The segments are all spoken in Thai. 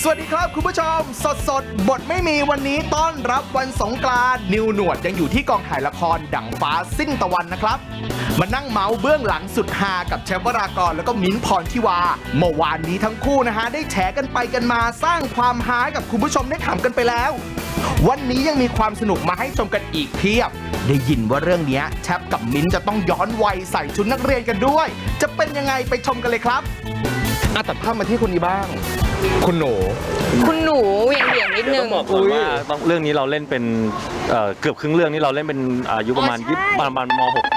วัสดีครับคุณผู้ชมสดบทไม่มีวันนี้ต้อนรับวันสงกรานต์นิวหนวดยังอยู่ที่กองถ่ายละครดั่งฟ้าสิ้นตะวันนะครับมานั่งเมาส์เบื้องหลังสุดฮากับแชมป์วรากรแล้วก็มิ้นท์พรทิวาเมื่อวานนี้ทั้งคู่นะฮะได้แฉกันไปกันมาสร้างความฮากับคุณผู้ชมได้ขำกันไปแล้ววันนี้ยังมีความสนุกมาให้ชมกันอีกเพียบได้ยินว่าเรื่องนี้แชมป์กับมิ้นท์จะต้องย้อนวัยใส่ชุดนักเรียนกันด้วยจะเป็นยังไงไปชมกันเลยครับตัดภาพมาที่คนนี้บ้างคุณหนูเหวี่ยงนิดนึงต้องบอกก่อนว่าเรื่องนี้เราเล่นเป็นเกือบครึ่งเรื่องนี้เราเล่นเป็นอายุประมาณประมาณม.6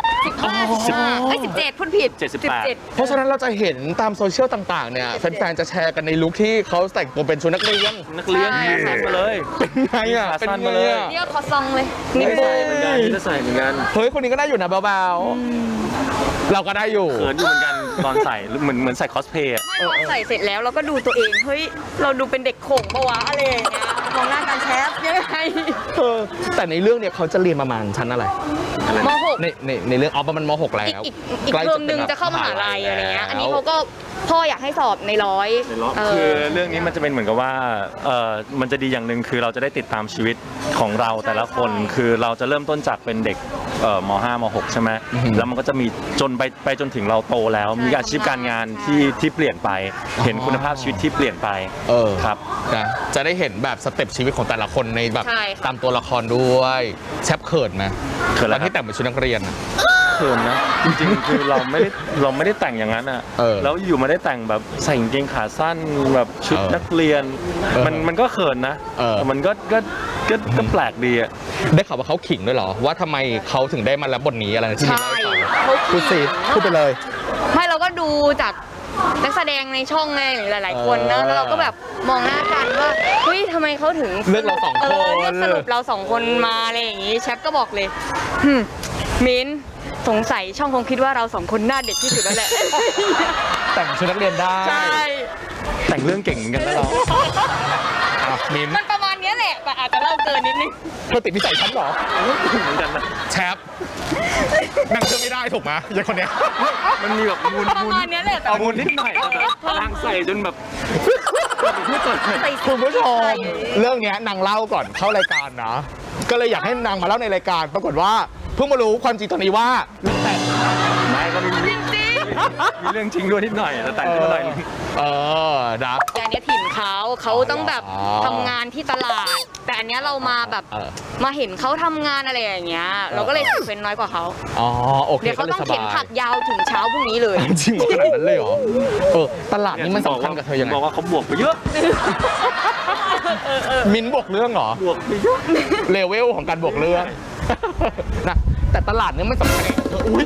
17พูดผิด 78 เพราะฉะนั้นเราจะเห็นตามโซเชียลต่างๆเนี่ยแฟนๆจะแชร์กันในลุคที่เขาแต่งตัวเป็นชุดนักเรียนขาสั้นมาเลยเป็นไงอ่ะขาสั้นมาเลยเดี๋ยวขอซองเลยนี่ใส่เหมือนกันนี่จะใส่เหมือนกันเฮ้ยคนนี้ก็ได้อยู่นะเบาๆเราก็ได้อยู่เขินอยู่เหมือนกันตอนใส่เหมือนใส่คอสเพลย์ไม่พอใส่เสร็จแล้วเราก็ดูตัวเองเฮ้ยเราดูเป็นเด็กโขงปะวะอะไรอย่างเงี้ยมองหน้าการแชฟยังไงแต่ในเรื่องเนี่ยเขาจะเรียนประมาณชั้นอะไรม.6 ในเรื่องประมาณม.6แล้วอีกเทอมนึงจะเข้ามหาลัยอะไรเงี้ยอันนี้เขาก็พ่ออยากให้สอบในร้อยคือเรื่องนี้มันจะเป็นเหมือนกับว่ามันจะดีอย่างหนึ่งคือเราจะได้ติดตามชีวิตของเราแต่ละคนคือเราจะเริ่มต้นจากเป็นเด็กม.5 ม.6 ใช่ไหมแล้วมันก็จะมีจนไปจนถึงเราโตแล้วมีอาชีพการงานที่เปลี่ยนไปเห็นคุณภาพชีวิตที่เปลี่ยนไปครับนะจะได้เห็นแบบสเต็ปชีวิตของแต่ละคนในแบบตามตัวละครด้วยแชปเขินไหมเขินแล้วที่แต่งเป็นชุดนักเรียนเขินนะจริงๆคือเราไม่ได้แต่งอย่างนั้นอ่ะแล้วอยู่มาได้แต่งแบบใส่กางเกงขาสั้นแบบชุดนักเรียนมันก็เขินนะมันก็แปลกดีอ่ะได้ข่าวว่าเขาขิงด้วยเหรอว่าทำไมเขาถึงได้มารับบทนี้อะไรที่นี่พูดสิพูดไปเลยไม่เราก็ดูจากนักแสดงในช่องไงหลายๆคนนะแล้วเราก็แบบมองหน้ากันว่าเฮ้ยทำไมเขาถึงเลือกเราสองคนเลือกสรุปเราสองคนมาอะไรอย่างงี้แชปก็บอกเลยมิ้นสงสัยช่องคงคิดว่าเราสองคนหน้าเด็กที่สุดแล้วแหละแต่งชุดนักเรียนได้ใช่แต่งเรื่องเก่งเหมือนกันนะเรามิ้นมันประมาณนี้แหละแต่อาจจะเล่าเกินนิดนึงเธอติดนิสัยฉันหรอเหมือนกันนะแชปนั่งเชื่อไม่ได้ถูกไหมยังคนเนี้ยมันมีแบบมูลประมาณนี้แหละมูลนิดหน่อยนางใส่จนแบบคุณผู้ชมเรื่องนี้นางเล่าก่อนเข้ารายการนะก็เลยอยากให้นางมาเล่าในรายการปรากฏว่าเพิ่งมารู้ความจริงตอนนี้ว่าแต่ไม่ก็มีจริงมีเรื่องจริงด้วยนิดหน่อยแต่งขึ้นมาหน่อยนะแต่อันนี้ถิ่นเขาต้องแบบทำงานที่ตลาดแต่อันนี้เรามาแบบมาเห็นเขาทำงานอะไรอย่างเงี้ยเราก็เลยใส่เป็นน้อยกว่าเขาโอเคเดี๋ยวเขาต้องเข็นผักยาวถึงเช้าพรุ่งนี้เลยจริงขนาดนั้นเลยเหรอตลาดนี้มันสำคัญกับเธอยังไงบอกว่าเขาบวกไปเยอะมิ้นบวกเรื่องเหรอบวกไปเยอะเลเวลของการบวกเรื่องนะแต่ตลาดนี้มันสำคัญอุ้ย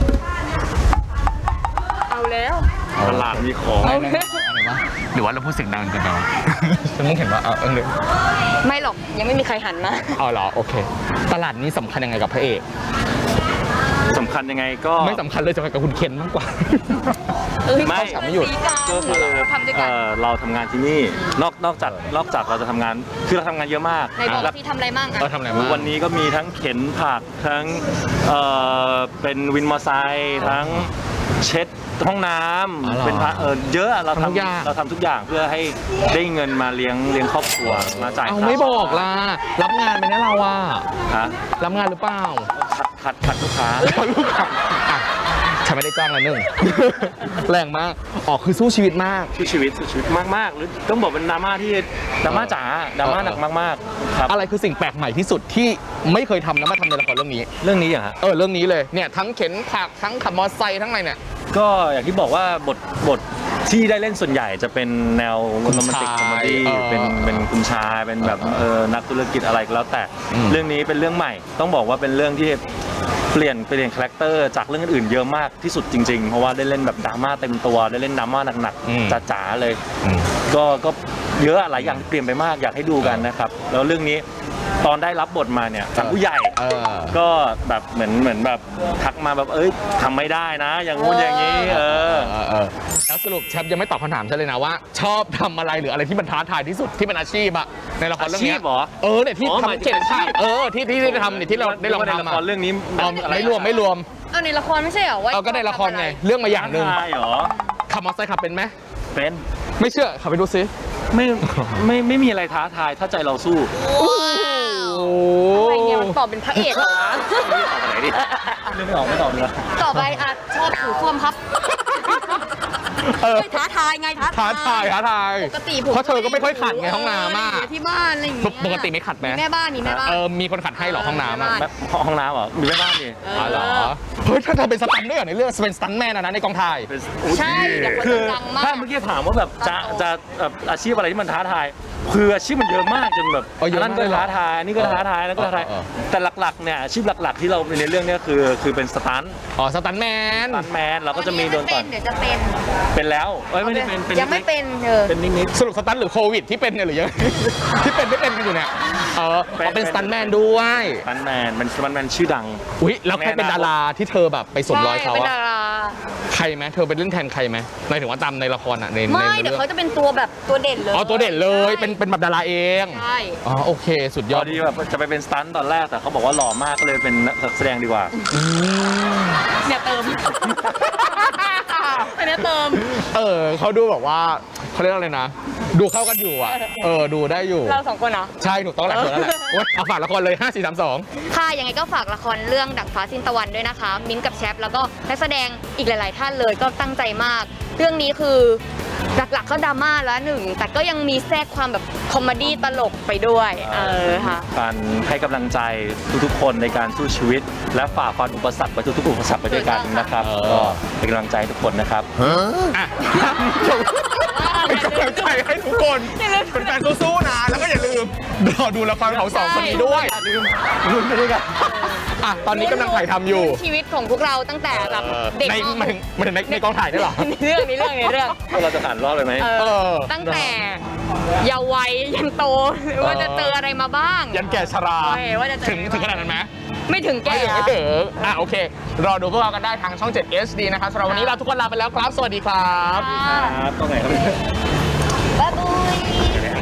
เอาแล้วตลาดมีของอะไรวะหรือว่าเราพูดเสียงดังกันเนาะฉันมึงเห็นว่าเลยไม่หรอกยังไม่มีใครหันมาเหรอโอเคตลาดนี้สำคัญยังไงกับพระเอกสำคัญยังไงก็ไม่สำคัญเลยสำคัญกับคุณเคนมากกว่าไม่ไม่หยุดก็คือเราทำงานที่นี่นอกจากเราจะทำงานคือเราทำงานเยอะมากในบอกที่ทำอะไรบ้างทำอะไรบ้างวันนี้ก็มีทั้งเข็นผักทั้งเป็นวินมอเตอร์ไซค์ทั้งเช็ดห้องน้ำเป็นเยอะเราทำทุกอย่างเพื่อให้ได้เงินมาเลี้ยงครอบครัวมาจ่ายไม่บอกล่ะรับงานไปนะเรารับงานหรือเปล่าขัดลูกค้าฉันไม่ได้จ้างละแรงมากคือสู้ชีวิตมากสู้ชีวิตมากหรือต้องบอกเป็นดราม่าที่ดราม่าจ๋าดราม่าหนักมากๆครับอะไรคือสิ่งแปลกใหม่ที่สุดที่ไม่เคยทำแล้วมาทำในละครเรื่องนี้อย่างฮะเรื่องนี้เลยเนี่ยทั้งเข็นผักทั้งขับมอเตอร์ไซค์ทั้งอะไรเนี่ยก็อย่างที่บอกว่าบทที่ได้เล่นส่วนใหญ่จะเป็นแนวโรแมนติกคอมเมดี้เป็นคุณชายเป็นแบบนักธุรกิจอะไรก็แล้วแต่เรื่องนี้เป็นเรื่องใหม่ต้องบอกว่าเป็นเรื่องที่เปลี่ยนคาแรคเตอร์จากเรื่องอื่นเยอะมากที่สุดจริงๆเพราะว่าได้เล่นแบบดราม่าเต็มตัวได้เล่นดราม่าหนักๆจ๋าๆเลยก็เยอะหลายอย่างเปลี่ยนไปมากอยากให้ดูกันนะครับแล้วเรื่องนี้ตอนได้รับบทมาเนี่ยจากผู้ใหญ่ก็แบบเหมือนแบบทักมาแบบทำไม่ได้นะอย่างงู้นอย่างนี้แล้วสรุปแชมป์ยังไม่ตอบคำถามฉันเลยนะว่าชอบทำอะไรหรืออะไรที่มันท้าทายที่สุดที่เป็นอาชีพในละครเรื่องนี้เนี่ยที่ทำเข็นผักที่ได้ทำเนี่ยที่เราได้ลองทำในละครเรื่องนี้ไม่รวมในละครไม่ใช่เหรอว่าก็ในละครไงเรื่องมาอย่างหนึ่งขับมอเตอร์ไซค์ขับเป็นไหมเป็นไม่เชื่อขับไปดูซิไม่มีอะไรท้าทายถ้าใจเราสู้อะไรเนี่ยมันตอบเป็นพระเอกเหรอวะตอบไหนดิเรื่องไม่ออกไม่ตอบเลยต่อไปอ่ะชอบถูส้วมครับท้าทายไงท้าท้าทายท้าทายปกติผมเพราะเธอก็ไม่ค่อยขัดไงห้องน้ำอะที่บ้านอะไรอย่างเงี้ยปกติไม่ขัดไหมมีแม่บ้านมีแม่บ้านมีคนขัดให้เหรอห้องน้ำอะแบบห้องน้ำเหรอมีแม่บ้านนี่อ๋อเหรอเฮ้ยถ้าเธอเป็นสตันด้วยเหรอในเรื่องเป็นสตันแมนนะในกองถ่ายใช่เดี๋ยวคนคือจะดังมากถ้าเมื่อกี้ถามว่าแบบจะแบบอาชีพอะไรที่มันท้าทายคืออาชีพมันเยอะมากจนแบบเยอะอันมากนั้นก็ท้าทายอันนี้ก็ท้าทายอันนั้นก็ท้าทายแต่หลักๆเนี่ยอาชีพหลักๆที่เราในเรื่องเนี้ยคือเป็นสตันท์อ๋อสตันแมนเราก็จะมีโดนก่อนเดี๋ยวจะเป็นเป็นแล้วไม่ได้เป็นยังไม่เป็นเป็นนิดสรุปสตันหรือโควิดที่เป็นเนี่ยหรือยัง ที่เป็นไม่เป็นกันอยู่เนี่ยเป็นสตันแมนด้วยสตันแมนมันสตันแมนชื่อดังอุ้ยแล้วใครเป็นดาราที่เธอแบบไปสวมรอยเขาเป็นอะดาราใครไหมเธอเป็นเล่นแทนใครไหมหมายถึงว่าตามในละครอะในไม่ในเดี๋ยวเรื่องเขาจะเป็นตัวแบบตัวเด่นเลยอ๋อตัวเด่นเลยเป็นแบบดาราเองใช่อ๋อโอเคสุดยยออดดที่แบบจะไปเป็นสตันท์ตอนแรกแต่เขาบอกว่าหล่อมากก็เลยเป็นนักแสดงดีกว่าเนี่ยเติมอันนี้เติมเขาดูแบบว่าเขาเรียกอะไรนะ ดูเข้ากันอยู่อ่ะดูได้อยู่เราสองคนเหรอใช่ถูกต้องแล้วถูกแล้วแหละโอ๊ยเอาฝากละครเลย 5 4 3 2 ค่ะยังไงก็ฝากละครเรื่องดั่งฟ้าสิ้นตะวันด้วยนะคะ มิ้นท์กับแชปแล้วก็นักแสดงอีกหลาย ๆ ท่านเลยก็ตั้งใจมาก เรื่องนี้คือหลัก ๆ ก็ดราม่าแล้วหนึ่งแต่ก็ยังมีแทรกความแบบคอมเมดี้ตลกไปด้วยค่ะการให้กำลังใจทุกๆคนในการสู้ชีวิต และฝ่าฟันอุปสรรคไปทุกๆอุปสรรคไปด้วยกันนะครับก็เป็นกำลังใจให้ทุกคนนะครับอ่ะเป็นกำลังใจให้ทุกคนเป็นแฟนสู้ๆนะแล้วก็อย่าลืมรอดูละครของสองคนนี้ด้วยลุ้นไปด้วยกันอ่ะตอนนี้กำลังถ่ายทำอยู่ชีวิตของพวกเราตั้งแต่แบบเด็กในกองถ่ายได้เหรอในเรื่องเราจะผ่านรอบเลยไหมตั้งแต่เยาว์วัยยันโตว่าจะเจออะไรมาบ้างยันแก่ชราว่าจะเจอถึงขนาดนั้นไหมไม่ถึงแก่ไม่ถึงโอเค รอดูพวกเรากันได้ทางช่อง 7 HD นะครับสำหรับวันนี้เราทุกคนลาไปแล้วครับ สวัสดีครับครับตรงไหนครับบ๊ายบาย